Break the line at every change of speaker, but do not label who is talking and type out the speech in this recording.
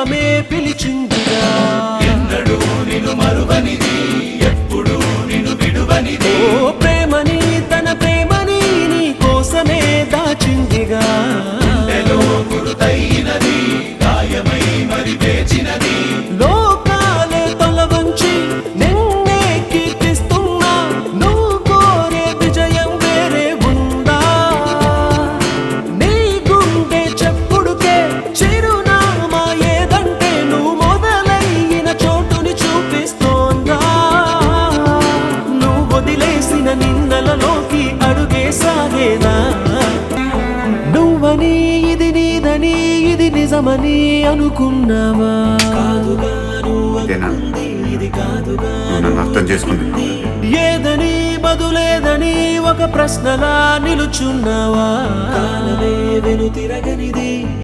కాలమే పిలిచిందిగా.
ఎన్నడూ నిన్ను మరువనిది, ఎప్పుడు నిన్ను విడువనిది.
ఓ ప్రేమని తన ప్రేమని నీ కోసమే దాచిందిగా.
గుండెలో గురుతైనది, గాయమై మరి వేచినది.
లోకాలే తల వంచి నిన్నే కీర్తిస్తున్నా, నువ్వు కోరే విజయం వేరే ఉందా? నీ గుండె చెప్పుడుకే చిరునామా ఏదంటే నువ్వు మొదలైన చోటుని చూపిస్తోందా? నువ్వు వదిలేసిన నిన్నలలోకి అడుగే సాగేదా? నువ్వని ఇది నీదని ఇది నిజమని అనుకున్నావా? కాదుగా నువ్వనుకుంది ఇది కాదుగా.
నన్ను అర్థం చేసుకుంది.
ఏదని బదులేదని ఒక ప్రశ్నలా నిలుచున్నావా? కాలమే వెను తిరగనిది.